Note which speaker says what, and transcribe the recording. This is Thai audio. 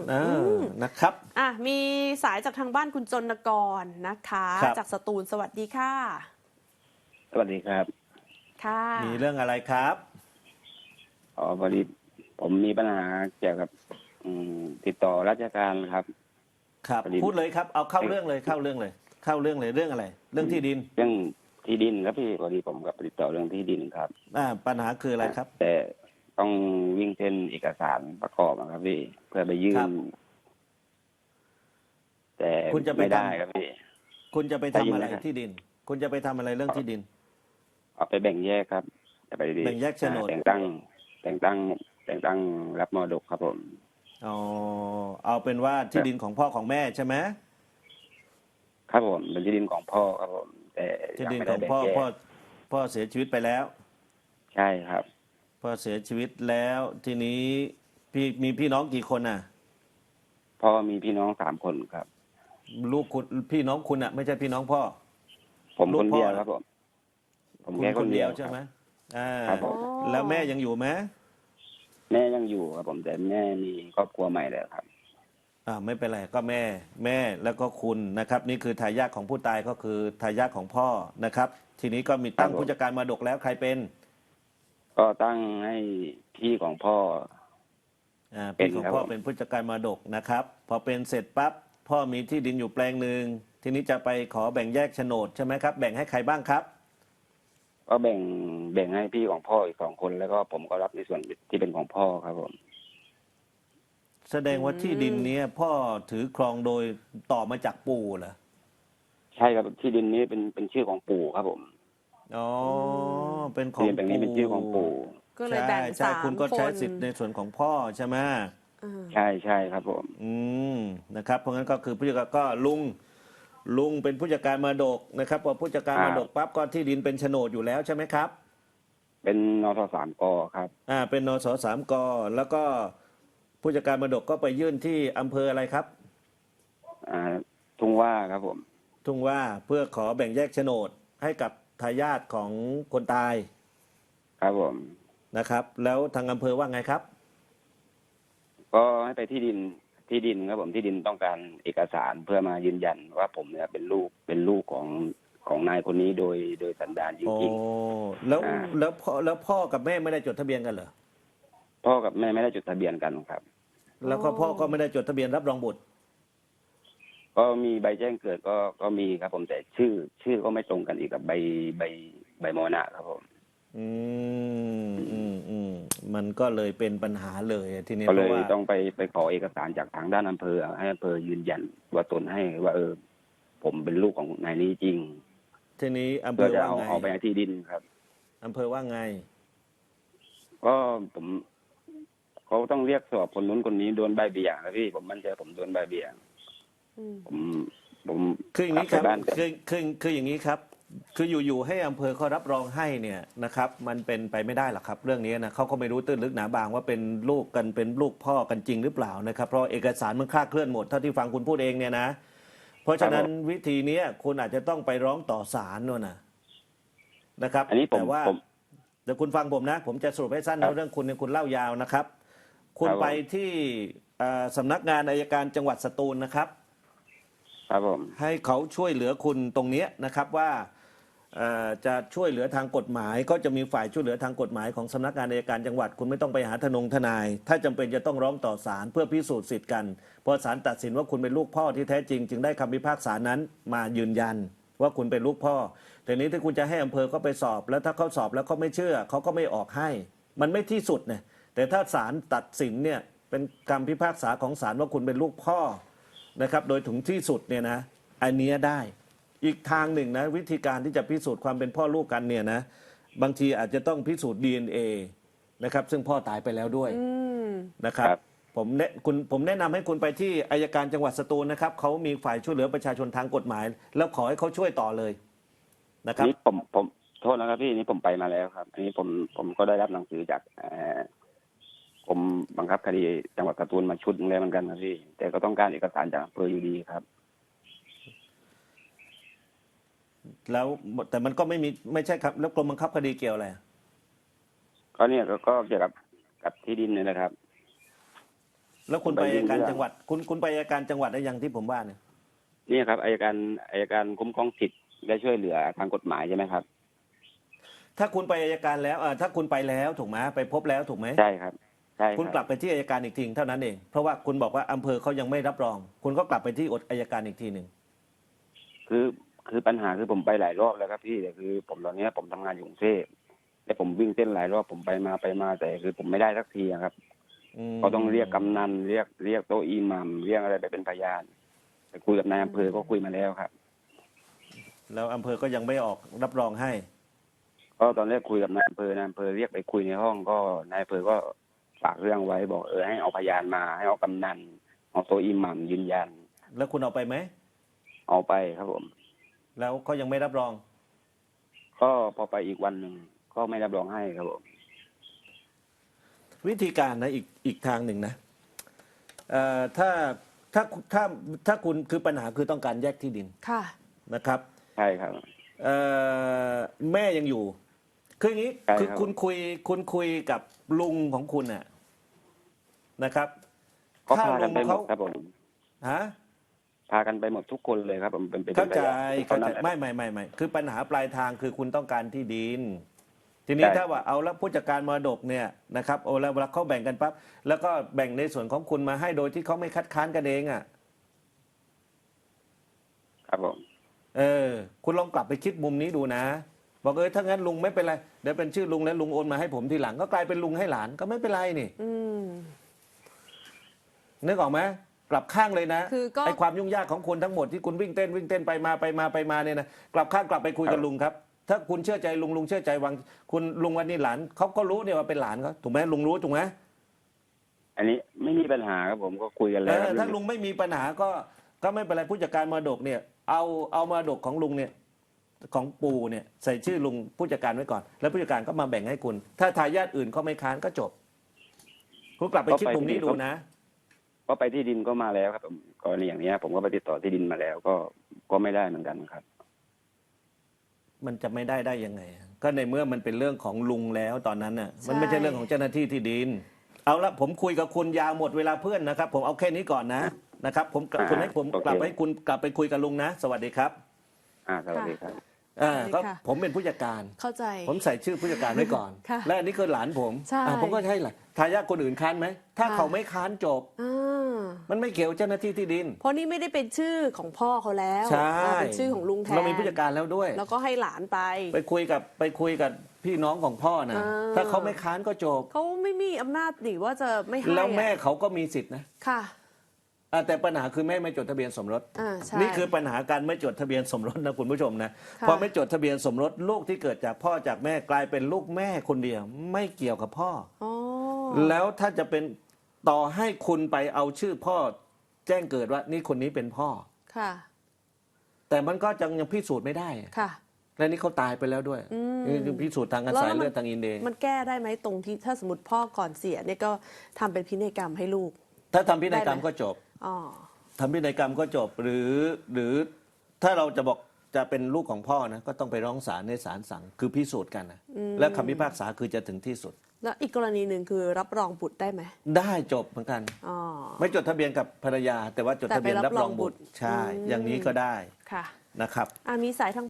Speaker 1: อืนะครับ
Speaker 2: มีสายจากทางบ้านคุณจนกรนะคะจากสตูลสวัสดีค่ะ
Speaker 3: สวัสดีครับ
Speaker 2: ค่ะ
Speaker 1: มีเรื่องอะไรครับ
Speaker 3: พอดีผมมีปัญหาเกี่ยวกับติดต่อราชการครับ
Speaker 1: ครับพูดเลยครับเอาเข้าเรื่องเลยเรื่องอะไรเรื่องที่ดิน
Speaker 3: เรื่องที่ดินครับพี่พอดีผมกับติดต่อเรื่องที่ดินครับ
Speaker 1: ปัญหาคืออะไรครับ
Speaker 3: แต่ต้องวิ่งเส้นเอกสารประกอบครับพี่เพื่อไปยื่นแต่
Speaker 1: คุณจะไป
Speaker 3: ไม่ได้ครับพี่
Speaker 1: คุณจะไปทำอะไรที่ดินคุณจะไปทำอะไรเรื่องที่ดิน
Speaker 3: เอาไปแบ่งแยกครับจะไป
Speaker 1: แบ่งแยกโฉนด
Speaker 3: แต่งตั้งรับมรดกครับผม
Speaker 1: เอาเป็นว่าที่ดินของพ่อของแม่ใช่ไหม
Speaker 3: ครับผมเป็นที่ดินของพ่อครับผมแต่
Speaker 1: ที่ดินของพ่อเสียชีวิตไปแล้ว
Speaker 3: ใช่ครับ
Speaker 1: พ่อเสียชีวิตแล้วทีนี้มีพี่น้องกี่คนน่ะ
Speaker 3: พ่อมีพี่น้อง3 คนครับ
Speaker 1: ลูกคุณพี่น้องคุณอ่ะไม่ใช่พี่น้องพ่อ
Speaker 3: ผมคนเดียวครับผมแค่คนเดียว
Speaker 1: ใช่ไหม
Speaker 3: ครับผม
Speaker 1: แล้วแม่ยังอยู่ไหม
Speaker 3: แม่ยังอยู่ครับผมแต่แม่มีครอบครัวใหม่แล้วครับ
Speaker 1: ไม่เป็นไรก็แม่แล้วก็คุณนะครับนี่คือทายาทของผู้ตายก็คือทายาทของพ่อนะครับทีนี้ก็มีตั้งผู้จัดการมรดกแล้วใครเป็น
Speaker 3: ก็ตั้งให้พี่ของพ่อ
Speaker 1: พี่ของพ่อเป็นผู้จัดการมรดกนะครับพอเป็นเสร็จปั๊บพ่อมีที่ดินอยู่แปลงหนึ่งทีนี้จะไปขอแบ่งแยกโฉนดใช่ไหมครับแบ่งให้ใครบ้างครับ
Speaker 3: ก็แบ่งให้พี่ของพ่ออีก2 คนแล้วก็ผมก็รับในส่วนที่เป็นของพ่อครับผม
Speaker 1: แสดงว่าที่ดินนี้พ่อถือครองโดยต่อมาจากปู่เหรอ
Speaker 3: ใช่ครับที่ดินนี้เป็นชื่อของปู่ครับผม
Speaker 1: เป็นของปู่
Speaker 3: นี้เป็นชื่อของปู่
Speaker 2: ก็เลยแบ่ง
Speaker 1: ใช่คุณก็ใช้สิทธิ์ในส่วนของพ่อใช่ไหม
Speaker 3: ใช่ครับผม
Speaker 1: นะครับเพราะงั้นก็คือผู้จัดการก็ลุงเป็นผู้จัดการมรดกนะครับพอผู้จัดการมรดกปั๊บก็ที่ดินเป็นโฉนดอยู่แล้วใช่ไหมครับ
Speaker 3: เป็นนส3 กครับ
Speaker 1: เป็นนส3 กแล้วก็ผู้จัดการมรดกก็ไปยื่นที่อำเภออะไรครับ
Speaker 3: ทุ่งว่าครับผม
Speaker 1: ทุ่งว่าเพื่อขอแบ่งแยกโฉนดให้กับทายาทของคนตาย
Speaker 3: ครับผม
Speaker 1: นะครับแล้วทางอำเภอว่าไงครับ
Speaker 3: ก็ให้ไปที่ดินครับผมที่ดินต้องการเอกสารเพื่อมายืนยันว่าผมเนี่ยเป็นลูกของนายคนนี้โดยสันดานจริง
Speaker 1: ๆแล้วพ่อกับแม่ไม่ได้จดทะเบียนกันเหรอ
Speaker 3: พ่อกับแม่ไม่ได้จดทะเบียนกันครับ
Speaker 1: แล้วก็พ่อก็ไม่ได้จดทะเบียนรับรองบุตร
Speaker 3: ก็มีใบแจ้งเกิดก็มีครับผมแต่ชื่อก็ไม่ตรงกันอีกกับใบมรณะครับผม
Speaker 1: มันก็เลยเป็นปัญหาเลยทีนี้
Speaker 3: ก็เลยต้องไปขอเอกสารจากทางด้านอำเภอให้อำเภอยืนยันว่าตนให้ว่าผมเป็นลูกของนายนี้จริง
Speaker 1: ทีนี้อำเภอว่าไง
Speaker 3: เอาไปที่ดินครับ
Speaker 1: อำเภอว่าไง
Speaker 3: ก็เขาต้องเรียกสอบคนนู้นคนนี้โดนใบเบี่ยงนะพี่ผมมั่นใจผมโดนใบเบี่ยงผม
Speaker 1: คืออย่างนี้ครับคืออย่างนี้ครับคืออยู่ๆให้อำเภอเขารับรองให้เนี่ยนะครับมันเป็นไปไม่ได้หรอกครับเรื่องนี้นะเขาก็ไม่รู้ตื้นลึกหนาบางว่าเป็นลูกกันเป็นลูกพ่อกันจริงหรือเปล่านะครับเพราะเอกสารมันคลาดเคลื่อนหมดเท่าที่ฟังคุณพูดเองเนี่ยนะเพราะฉะนั้นวิธีนี้คุณอาจจะต้องไปร้องต่อศาลนู่นนะครับแต่ว่าเดี๋ยวคุณฟังผมนะผมจะสรุปให้สั้นเรื่องคุณเล่ายาวนะครับคุณไปที่สำนักงานอัยการจังหวัดสตูลนะครับ
Speaker 3: ครับผม
Speaker 1: ให้เขาช่วยเหลือคุณตรงนี้นะครับว่าจะช่วยเหลือทางกฎหมายก็จะมีฝ่ายช่วยเหลือทางกฎหมายของสำนักงานอัยการจังหวัดคุณไม่ต้องไปหาทนายถ้าจำเป็นจะต้องร้องต่อศาลเพื่อพิสูจน์สิทธิ์กันพอศาลตัดสินว่าคุณเป็นลูกพ่อที่แท้จริงจึงได้คำพิพากษานั้นมายืนยันว่าคุณเป็นลูกพ่อแต่นี้ถ้าคุณจะให้อำเภอเขาไปสอบแล้วถ้าเขาสอบแล้วเขาไม่เชื่อเขาก็ไม่ออกให้มันไม่ที่สุดเนี่ยแต่ถ้าศาลตัดสินเนี่ยเป็นคำพิพากษาของศาลว่าคุณเป็นลูกพ่อนะครับโดยถึงที่สุดเนี่ยนะอันนี้ได้อีกทางหนึ่งนะวิธีการที่จะพิสูจน์ความเป็นพ่อลูกกันเนี่ยนะบางทีอาจจะต้องพิสูจน์ DNA นะครับซึ่งพ่อตายไปแล้วด้วยนะครับผมแนะนำให้คุณไปที่อัยการจังหวัดสตูลนะครับเขามีฝ่ายช่วยเหลือประชาชนทางกฎหมายแล้วขอให้เขาช่วยต่อเลยนะครับ
Speaker 3: นี่ผมโทษนะครับพี่นี่ผมไปมาแล้วครับอันนี้ผมก็ได้รับหนังสือจากผมบังคับคดีจังหวัดสตูลมาชุดนึงแล้วเหมือนกันนะพี่แต่ก็ต้องการเอกสารจากอำเภออยู่ดีครับ
Speaker 1: แล้วแต่มันก็ไม่ใช่ครับแล้วกรมบังคับคดีเกี่ยวอะไร
Speaker 3: ก็เนี่ยก็เกี่ยวกับที่ดินนี่นะครับ
Speaker 1: แล้วคุณไปอัยการจังหวัดคุณไปอัยการจังหวัดได้ยังที่ผมว่าเนี่ย
Speaker 3: นี่ครับอัยการคุ้มครองสิทธิ์และช่วยเหลือทางกฎหมายใช่ไหมครับ
Speaker 1: ถ้าคุณไปอัยการแล้วถ้าคุณไปแล้วถูกไหมไปพบแล้วถูกไหม
Speaker 3: ใช่ครับใช่ครับ
Speaker 1: คุณกลับไปที่อัยการอีกทีเท่านั้นเองเพราะว่าคุณบอกว่าอำเภอเขายังไม่รับรอง คุณก็กลับไปที่อัยการอีกทีหนึ่ง
Speaker 3: คือปัญหาคือผมไปหลายรอบแล้วครับพี่แต่คือผมตอนนี้ผมทำงานอยู่กรุงเทพแต่ผมวิ่งเส้นหลายรอบผมไปมาแต่คือผมไม่ได้สักทีครับเขาต้องเรียกกำนันเรียกโต๊ะอิหมัมเรียกอะไรไปเป็นพยานไปคุยกับนายอำเภอก็คุยมาแล้วครับ
Speaker 1: แล้วอำเภอก็ยังไม่ออกรับรองให้
Speaker 3: ก็ตอนแรกคุยกับนายอำเภอเรียกไปคุยในห้องก็นายอำเภอก็ฝากเรื่องไว้บอกให้เอาพยานมาให้เอากำนันเอาโต๊ะอิหมัมยืนยัน
Speaker 1: แล้วคุณเอาไปไหม
Speaker 3: เอาไปครับผม
Speaker 1: แล้วเขายังไม่รับรอง
Speaker 3: ก็พอไปอีกวันหนึ่งก็ไม่รับรองให้ครับผม
Speaker 1: วิธีการนะอีกทางหนึ่งนะถ้าถ้าคุณคือปัญหาคือต้องการแยกที่ดิน
Speaker 2: ค่ะ
Speaker 1: นะครับ
Speaker 3: ใช่ครับ
Speaker 1: แม่ยังอยู่คืออย่างนี้
Speaker 3: ใช่ครับ
Speaker 1: คือคุณคุยกับลุงของคุณน่ะนะครับ
Speaker 3: ก็พากันไปหมดครับผม
Speaker 1: ฮะ
Speaker 3: พากันไปหมดทุกคนเลยครับผมเป็น
Speaker 1: เข้าใจ
Speaker 3: พยน
Speaker 1: ไม่คือปัญหาปลายทางคือคุณต้องการที่ดิน ทีนี้
Speaker 3: ใช่
Speaker 1: ถ้าว่าเอาแล้วผู้จัดการมรดกเนี่ยนะครับโอ้แล้วเวลาเขาแบ่งกันปั๊บแล้วก็แบ่งในส่วนของคุณมาให้โดยที่เขาไม่คัดค้านกันเองอ่ะ
Speaker 3: ครับผม
Speaker 1: คุณลองกลับไปคิดมุมนี้ดูนะบอกถ้างั้นลุงไม่เป็นไรเดี๋ยวเป็นชื่อลุงแล้วลุงโอนมาให้ผมทีหลังก็กลายเป็นลุงให้หลานก็ไม่เป็นไรนี่
Speaker 2: อืม
Speaker 1: นึกออกไหมกลับข้างเลยนะ
Speaker 2: คือก็
Speaker 1: ไอความยุ่งยากของคุณทั้งหมดที่คุณวิ่งเต้นไปมาเนี่ยนะกลับข้างกลับไปคุยกับลุงครับ ถ้าคุณเชื่อใจลุงเชื่อใจวังคุณลุงวันนี้หลานเขาก็รู้เนี่ยว่าเป็นหลานเขาถูกไหมลุงรู้ถูกไหม
Speaker 3: อันนี้ไม่มีปัญหาครับผมก็คุยกันแล้วครับ
Speaker 1: ถ้าลุงไม่มีปัญหาก็ไม่เป็นไรผู้จัดการมรดกเนี่ยเอามรดกของลุงเนี่ยของปู่เนี่ยใส่ชื่อลุงผู้จัดการไว้ก่อน แล้วผู้จัดการก็มาแบ่งให้คุณ ถ้าทายาทอื่นเขาไม่ค้านก็จบคุณกลับไปคิดมุมนี้ดูนะ
Speaker 3: ก็ไปที่ดินก็มาแล้วครับผมกรณีอย่างนี้ผมก็ไปติดต่อที่ดินมาแล้วก็ไม่ได้เหมือนกันครับ
Speaker 1: มันจะไม่ได้ยังไง ก็ในเมื่อมันเป็นเรื่องของลุงแล้วตอนนั้นน่ะมันไม่ใช่เรื่องของเจ้าหน้าที่ที่ดิน เอาละผมคุยกับคุณยาวหมดเวลาเพื่อนนะครับ ผมเอาแค่นี้ก่อนนะครับผมคุณให้ผม
Speaker 3: โอเค
Speaker 1: กลับให้คุณกลับไปคุยกับลุงนะ สวัสดีครับ
Speaker 3: สวัสดีครับ
Speaker 1: ก็
Speaker 2: ค่ะ
Speaker 1: ผมเป็นผู้จัดการ
Speaker 2: เข้าใจ
Speaker 1: ผมใส่ชื่อผู้จัดการไว้ก่อน
Speaker 2: ค่ะ
Speaker 1: และอันนี้คือหลานผม
Speaker 2: ใช่
Speaker 1: ผมก็ใช่แหละทายาทคนอื่นค้านไหมถ้า
Speaker 2: ค่ะ
Speaker 1: เขาไม่ค้านจบ
Speaker 2: อ่า
Speaker 1: มันไม่เกี่ยวเจ้าหน้าที่ที่ดิน
Speaker 2: เพราะนี่ไม่ได้เป็นชื่อของพ่อเขาแล้ว
Speaker 1: ใช่
Speaker 2: เป็นชื่อของลุงแทน
Speaker 1: เรามีผู้จัดการแล้วด้วย
Speaker 2: แล้วก็ให้หลานไป
Speaker 1: ไปคุยกับพี่น้องของพ่อนะ
Speaker 2: อ่า
Speaker 1: ถ้าเขาไม่ค้านก็จบ
Speaker 2: เขาไม่มีอำนาจหนิว่าจะไม่ให้
Speaker 1: แล้วแม่
Speaker 2: อะ
Speaker 1: เขาก็มีสิทธินะ
Speaker 2: ค่ะ
Speaker 1: แต่ปัญหาคือแม่ไม่จดทะเบียนสมรส
Speaker 2: ใช่
Speaker 1: นี่คือปัญหาการไม่จดทะเบียนสมรสนะคุณผู้ชมนะ
Speaker 2: ค่ะ
Speaker 1: พอไม่จดทะเบียนสมรสลูกที่เกิดจากพ่อจากแม่กลายเป็นลูกแม่คนเดียว ไม่เกี่ยวกับพ่อ
Speaker 2: อ๋อ
Speaker 1: แล้วถ้าจะเป็นต่อให้คุณไปเอาชื่อพ่อแจ้งเกิดว่านี่คนนี้เป็นพ่อ
Speaker 2: ค่ะ
Speaker 1: แต่มันก็ยังพิสูจน์ไม่ได้
Speaker 2: ค่ะ
Speaker 1: และนี่เขาตายไปแล้วด้วย
Speaker 2: อืม
Speaker 1: นี่พิสูจน์ทางกระสายเลือดทางอินเดีย
Speaker 2: มันแก้ได้ไหมตรงที่ถ้าสมมติพ่อก่อนเสียเนี่ยก็ทำเป็นพินัยกรรมให้ลูก
Speaker 1: ถ้าทำพินัยกรรม
Speaker 2: ได้ไหม
Speaker 1: ก็จบ
Speaker 2: อ๋อ
Speaker 1: ทำพินัยกรรมก็จบหรือถ้าเราจะบอกจะเป็นลูกของพ่อนะก็ต้องไปร้องศาลในศาลสั่งคือพิสูจน์กันนะและคำพิพากษาคือจะถึงที่สุด
Speaker 2: แล้วอีกกรณีหนึ่งคือรับรองบุตรได้ไหม
Speaker 1: ได้จบเหมือนกัน
Speaker 2: อ๋อ
Speaker 1: ไม่จดทะเบียนกับภรรยา แต่ว่าจดทะเบียน
Speaker 2: แต่ไปรั
Speaker 1: รับบ ร
Speaker 2: ร
Speaker 1: อ
Speaker 2: อง งบุ
Speaker 1: บุต
Speaker 2: ต
Speaker 1: ร
Speaker 2: ร
Speaker 1: ใช่
Speaker 2: อืม
Speaker 1: อย่างนี้ก็ได้
Speaker 2: ค่ะ
Speaker 1: นะครับ
Speaker 2: มีสายทาง